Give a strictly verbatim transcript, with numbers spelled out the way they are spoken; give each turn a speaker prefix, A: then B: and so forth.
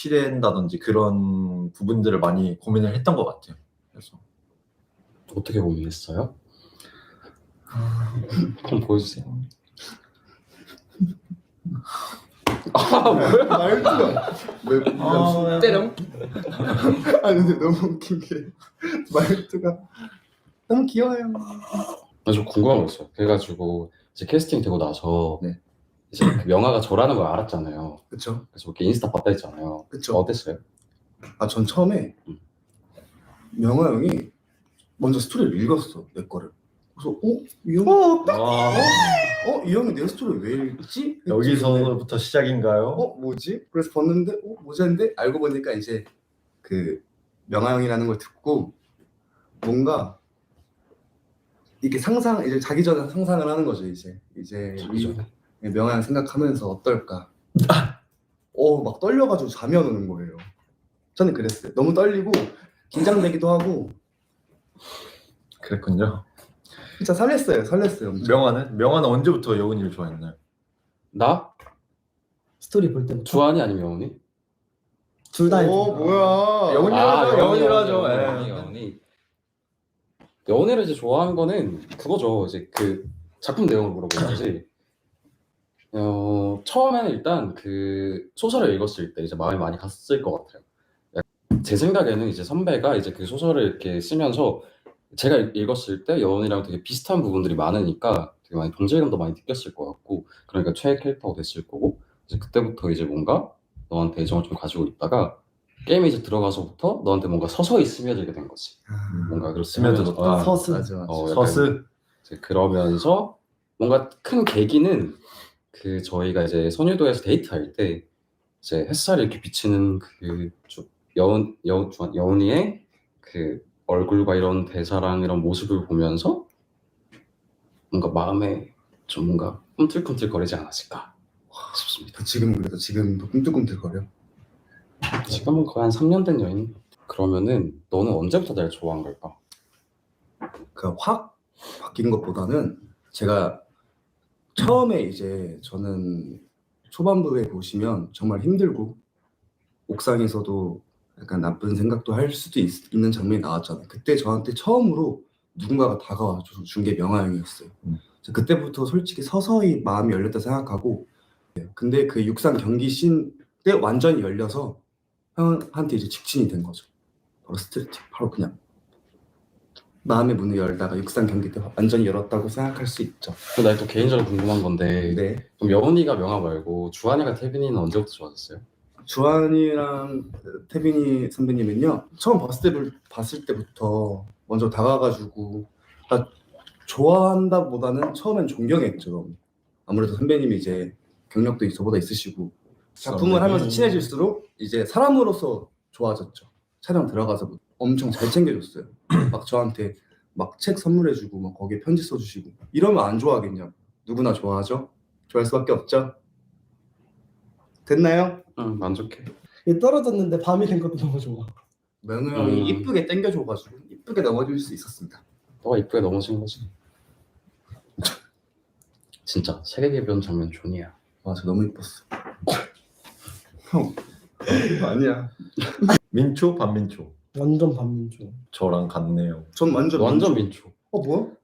A: 치댄다든지 그런 부분들을 많이 고민을 했던 것 같아요. 그래서
B: 어떻게 고민했어요? 그럼 보여주세요. 아 뭐야?
C: 말투가 왜
A: 아,
C: 때령? 아니 근데 너무 웃긴 게 말투가 너무 귀여워요.
B: 나 좀 궁금한 거 있어요. 그래가지고 이제 캐스팅 되고 나서
C: 네.
B: 이제 그 명아가 저라는 걸 알았잖아요.
C: 그쵸?
B: 그래서 이렇게 인스타 봤다 했잖아요.
C: 그쵸?
B: 어땠어요?
C: 아 전 처음에
B: 음.
C: 명화 형이 먼저 스토리를 읽었어 내 거를. 그래서 어? 이 형? 어?
A: 와,
C: 어? 이 형이 내 스토리를 왜 읽지? 했지. 근데
A: 여기서부터 시작인가요?
C: 어? 뭐지? 그래서 봤는데 어? 뭐지 했는데 알고 보니까 이제 그 명화 형이라는 걸 듣고 뭔가 이렇게 상상 이제 자기 전에 상상을 하는 거죠. 이제 이제
B: 자기 전에?
C: 이 명화 형 생각하면서 어떨까? 어 막 떨려가지고 잠이 안 오는 거예요. 저는 그랬어요. 너무 떨리고 긴장되기도 하고
A: 그랬군요.
C: 진짜 설렜어요. 설렜어요. 엄청.
A: 명화는? 명화는 언제부터 여운이를 좋아했나요?
B: 나?
D: 스토리 볼 때부터
B: 주한이 아니면 여운이?
D: 둘 다.
C: 오 뭐야?
A: 영훈이 하죠, 영훈이로 하죠.
B: 여운이,
A: 예.
B: 여운이. 여운이를 이제 좋아한 거는 그거죠. 이제 그 작품 내용을 물어보는지. 어 처음에는 일단 그 소설을 읽었을 때 이제 마음이 많이 갔을 것 같아요. 제 생각에는 이제 선배가 이제 그 소설을 이렇게 쓰면서 제가 읽었을 때 여운이랑 되게 비슷한 부분들이 많으니까 되게 많이 동질감도 많이 느꼈을 것 같고, 그러니까 최애 캐릭터가 됐을 거고, 이제 그때부터 이제 뭔가 너한테 애정을 좀 가지고 있다가 게임에 이제 들어가서부터 너한테 뭔가 서서히 스며들게 된 거지. 뭔가 그렇게
A: 스며들었다.
B: 하면서, 아,
D: 서스.
C: 맞아 맞아.
B: 어, 약간
A: 서스?
B: 이제 그러면서 뭔가 큰 계기는 그 저희가 이제 선유도에서 데이트할 때 이제 햇살이 이렇게 비치는 그 좀 여운 여운 여운이의 그 얼굴과 이런 대사랑 이런 모습을 보면서 뭔가 마음에 좀 뭔가 꿈틀꿈틀거리지 않았을까 싶습니다.
C: 지금 그래도 지금도 꿈틀꿈틀거려.
B: 지금은 거의 한 삼 년 된 여인. 그러면은 너는 언제부터 날 좋아한 걸까?
C: 그 확 바뀐 것보다는 제가 처음에 이제 저는 초반부에 보시면 정말 힘들고 옥상에서도 약간 나쁜 생각도 할 수도 있, 있는 장면이 나왔잖아요. 그때 저한테 처음으로 누군가가 다가와줘서 준 게 명화 형이었어요.
A: 음.
C: 그때부터 솔직히 서서히 마음이 열렸다 생각하고, 근데 그 육상 경기 씬 때 완전히 열려서 형한테 이제 직진이 된 거죠. 바로 스트레칭, 바로 그냥 마음의 문을 열다가 육상 경기 때 완전히 열었다고 생각할 수 있죠.
B: 근데 나 또 개인적으로 궁금한 건데,
C: 네.
B: 그럼 여운이가 명화 말고 주한이가 태빈이는 언제부터 좋아졌어요?
C: 주한이랑 태빈이 선배님은요, 처음 봤을 때 봤을 때부터 먼저 다가가지고, 아, 좋아한다보다는 처음엔 존경했죠. 아무래도 선배님이 이제 경력도 저보다 있으시고 작품을 하면서 친해질수록 이제 사람으로서 좋아졌죠. 촬영 들어가서 엄청 잘 챙겨줬어요. 막 저한테 막 책 선물해주고 막 거기에 편지 써주시고. 이러면 안 좋아하겠냐고. 누구나 좋아하죠. 좋아할 수밖에 없죠. 됐나요?
B: 응, 만족해.
D: 이게 떨어졌는데 밤이 된 것도 너무 좋아.
C: 명우 형이
B: 음.
C: 이쁘게 땡겨줘가지고 이쁘게 넘어질 수 있었습니다.
B: 너가 이쁘게 넘어진 거지. 진짜 세계 개변 장면 존이야.
C: 와, 저 너무 이뻤어. 형, 이거 아니야.
A: 민초? 반민초?
D: 완전 반민족.
A: 저랑 같네요.
C: 전 완전
B: 완전 민초.
C: 어 뭐야?